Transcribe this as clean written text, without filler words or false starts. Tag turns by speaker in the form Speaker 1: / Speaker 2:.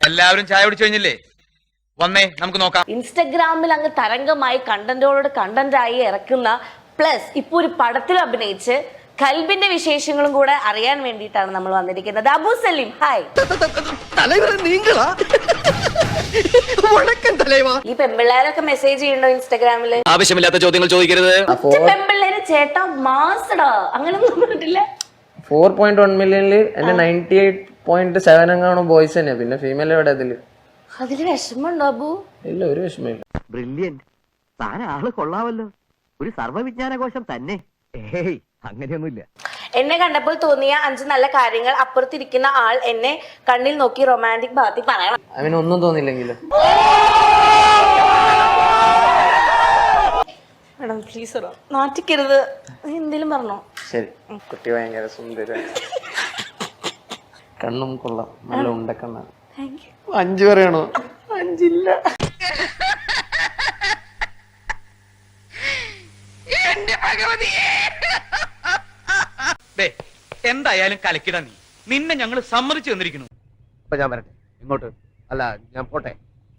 Speaker 1: എല്ലാവരും ചായ കുടിച്ചു കഴിഞ്ഞില്ലേ? വന്നേ നമുക്ക് നോക്കാം.
Speaker 2: ഇൻസ്റ്റഗ്രാമിൽ അങ്ങ് തരംഗമായി കണ്ടന്റോട് കണ്ടന്റായി ഇറക്കുന്ന പ്ലസ് ഇപ്പൊ ഒരു പടത്തിൽ അഭിനയിച്ച് കൽബിന്റെ വിശേഷങ്ങളും കൂടെ അറിയാൻ വേണ്ടിയിട്ടാണ് നമ്മൾ വന്നിരിക്കുന്നത്. അബു സലീം, ഹായ്. ഈ പെമ്പിള്ളേരൊക്കെ മെസ്സേജ് ചെയ്യണ്ടോ ഇൻസ്റ്റഗ്രാമില്?
Speaker 3: ആവശ്യമില്ലാത്ത ചോദ്യങ്ങൾ ചോദിക്കരുത്.
Speaker 2: പെമ്പിള്ളേര് ചേട്ടാ മാസടാ അങ്ങനൊന്നും പറഞ്ഞിട്ടില്ല.
Speaker 4: 4.1 മില്യണില് എന്റെ 98.7 എങ്ങാണോ ബോയ്സ് തന്നെ, പിന്നെ ഫീമെയിൽ എവിടെ അതില്
Speaker 2: വിഷമമുണ്ടോ അബു?
Speaker 4: ഇല്ല, ഒരു വിഷമമില്ല.
Speaker 5: ബ്രില്യന്റ്, താൻ ആള് കൊള്ളാവല്ലോ, ഒരു സർവ്വവിജ്ഞാനകോശം തന്നെ. ഏയ് അങ്ങനെയൊന്നുമില്ല.
Speaker 2: എന്നെ കണ്ടപ്പോൾ തോന്നിയ 5 നല്ല കാര്യങ്ങൾ അപ്പുറത്തിരിക്കുന്ന ആൾ എന്നെ കണ്ണിൽ നോക്കി റൊമാൻറ്റിക് ഭാഗത്തിൽ പറയണം.
Speaker 4: അവനൊന്നും തോന്നില്ലെങ്കിലും
Speaker 2: മേഡം പ്ലീസ് നാറ്റിക്കരുത്, എന്തേലും പറഞ്ഞോ?
Speaker 4: ശരി. കുട്ടി ഭയങ്കര സുന്ദര, കണ്ണും കൊള്ളാം, നല്ല ഉണ്ടക്കണ്ണാണ്. 5 പറയണോ? 5 ഇല്ല.
Speaker 1: എന്തായാലും കലക്കിട നീ. നിന്നെ ഞങ്ങൾ സമ്മതിച്ചു തന്നിരിക്കുന്നു.
Speaker 5: അപ്പൊ ഞാൻ വരട്ടെ. ഇങ്ങോട്ട് അല്ല, ഞാൻ പോട്ടെ.